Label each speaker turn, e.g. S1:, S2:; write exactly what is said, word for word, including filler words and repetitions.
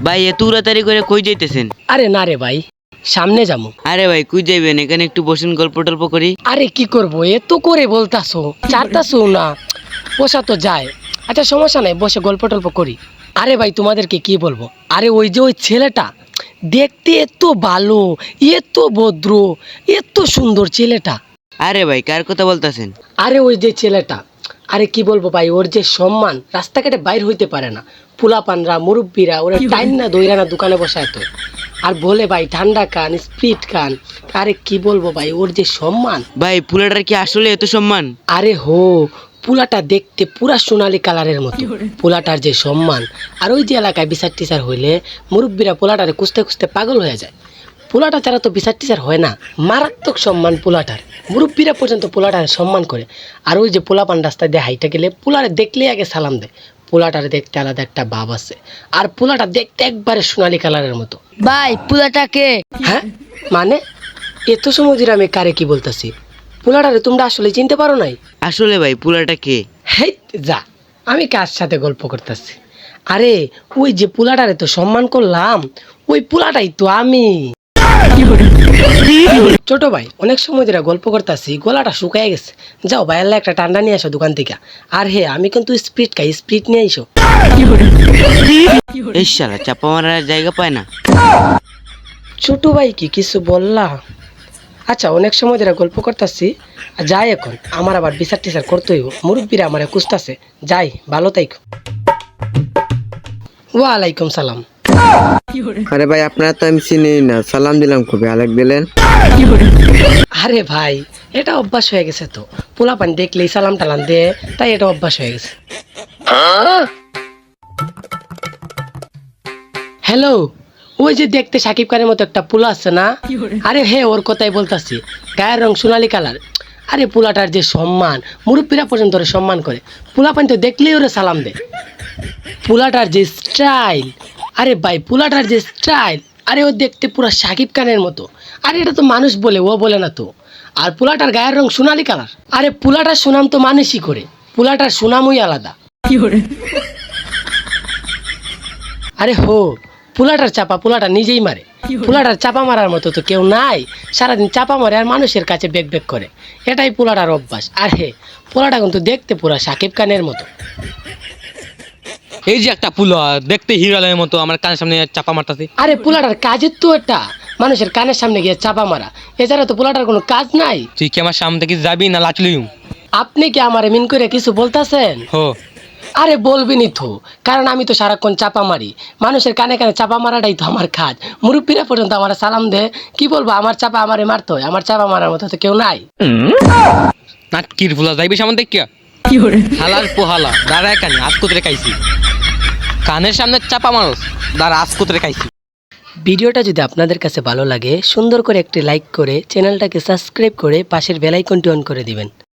S1: ভাই এত উড়াতাড়ি করে কই যাইতেছেন?
S2: আরে না রে ভাই, সামনে যাবো।
S1: আরে ভাই কই যাইবেন? এখানে একটু বসেন, গল্প টল্প করি।
S2: আরে কি করবো, এত করে বলতাছো, চারতাছো না, বসা তো যায়। আচ্ছা সমস্যা নাই, বসে গল্প টল্প করি। আরে ভাই তোমাদেরকে কি বলবো, আরে ওই যে ওই ছেলেটা দেখতে এত ভালো, এত ভদ্র, এত সুন্দর ছেলেটা।
S1: আরে ভাই কার কথা বলতেছেন?
S2: আরে ওই যে ছেলেটা, আরে কি বলবো ভাই, ওর যে সম্মান, রাস্তাঘাটে বাইর হইতে পারে না, পোলাপানরা মুরব্বীরা ওরা টাইম না দইরা না দোকানে বসায় তো, আর বলে ভাই ঠান্ডা খান, স্পিড খান। আরে কি বলবো ভাই, ওর যে সম্মান।
S1: ভাই পুলাটার কি আসলে এত সম্মান?
S2: আরে হো, পুলাটা দেখতে পুরা সোনালী কালারের মতো, পোলাটার যে সম্মান। আর ওই যে এলাকায় বিচার টিচার হইলে মুরব্বীরা পোলাটারে খুঁজতে খুঁজতে পাগল হয়ে যায়। পোলাটা ছাড়া তো বিচার টিচার হয় না। মারাত্মক সম্মান পোলাটার, মুরব্বীরা পর্যন্ত পোলাটারে সম্মান করে। আর ওই যে পোলাপান রাস্তায় দিয়ে হাইটা গেলে পোলারে দেখলেই আগে সালাম দেয়। পোলাটারে দেখতে আলাদা একটা ভাব আছে। আর পোলাটা দেখতে একবারে সোনালী কালারের মতো।
S3: ভাই পুলাটাকে
S2: হ্যাঁ মানে, এত সময় ধরে আমি কারে কি বলতেছি, পোলাটারে তোমরা আসলে চিনতে পারো নাই?
S1: আসলে ভাই পুলাটা কে?
S2: হেই যা, আমি কার সাথে গল্প করতেছি? আরে ওই যে পোলাটারে তো সম্মান করলাম, ওই পোলাটাই তো আমি। ছোট ভাই, অনেক সময় ধরে গল্প করতেছি, গলাটা শুকায় গেছে। যাও ভাই, আল্লাহ একটা ঠান্ডা নিয়ে আসো দোকান থেকে। আর হে, আমি কিন্তু স্পিড খাই, স্পিড নিয়ে আইসো।
S1: এই শালা চাপা মারার জায়গা পায় না।
S2: ছোট ভাই কি কিছু বললা? আচ্ছা অনেক সময় ধরে গল্প করতেছি, যাই এখন, আমার আবার বিচার টিচার করতে হইব, মুরব্বীরা আমার খুঁজতেছে। যাই, ভালো থাইকো। ওয়ালাইকুম সালাম।
S4: আরে ভাই আপনারা তো আমি চিনি না, সালাম দিলাম খুবই, আলেক দিলেন।
S2: আরে ভাই এটা অভ্যাস হয়ে গেছে তো, পোলাপান দেখলেই সালাম টালাম দে, তাই এটা অভ্যাস হয়ে গেছে। হ্যালো, ওই যে দেখতে সাকিব খানের মতো একটা পোলা আছে না? আরে হে, ওর কথাই বলতাছি, গায়ের রং সোনালী কালার। আরে পোলাটার যে সম্মান, মুরব্বীরা পর্যন্ত ওরে সম্মান করে। পোলাপান তো দেখলেই ওরে সালাম দে। পোলাটার যে স্টাইল, আরে ভাই পোলাটার যে স্টাইল, আরে ও দেখতে পুরো সাকিব খানের মতো। আরে এটা তো মানুষ বলে, ও বলে না তো। আর পোলাটার গায়ের রং সোনালী কালার। আরে পোলাটার সুনাম তো মানুষই করে, পোলাটার সুনামই আলাদা। আরে হো, পোলাটার চাপা পোলাটা নিজেই মারে। পোলাটার চাপা মারার মতো তো কেউ নাই, সারাদিন চাপা মারে আর মানুষের কাছে বেক বেক করে, এটাই পোলাটার অভ্যাস। আর হে, পোলাটা কিন্তু দেখতে পুরা সাকিব খানের মতো।
S5: এই যে একটা পুলা দেখতে হিরালের মতো আমার কানের সামনে চাপা মারতাছে।
S2: আরে পোলাটার কাজের তো এটা, মানুষের কানের সামনে গিয়ে চাপা মারা, এছাড়া তো পোলাটার কোনো কাজ নাই।
S5: তুই কি আমার সামনে থেকে যাবি না লাচলিম?
S2: আপনি কি আমার মিন করে কিছু বলতেছেন?
S5: হো,
S2: আরে বলবিনি তো, কারণ আমি তো সারাক্ষণ চাপা মারি, মানুষের কানে কানে চাপা মারাটাই তো আমার কাজ। মুরব্বীরা পর্যন্ত আমার সালাম দে, কি বলবো, আমার চাপা আমারে মারতে হয়, আমার চাপা মারার মতো তো কেউ নাই।
S5: নাটকির ফুলা যাইবি সামনে দেখিয়া হালার পোহালা দাঁড়ায় কানি আজ কোতরে খাইছি, কানের সামনে চাপা মানুষ দাঁড়া আজ কোতরে খাইছি।
S2: ভিডিওটা যদি আপনাদের কাছে ভালো লাগে, সুন্দর করে একটি লাইক করে চ্যানেলটাকে সাবস্ক্রাইব করে পাশের বেল আইকনটি অন করে দিবেন।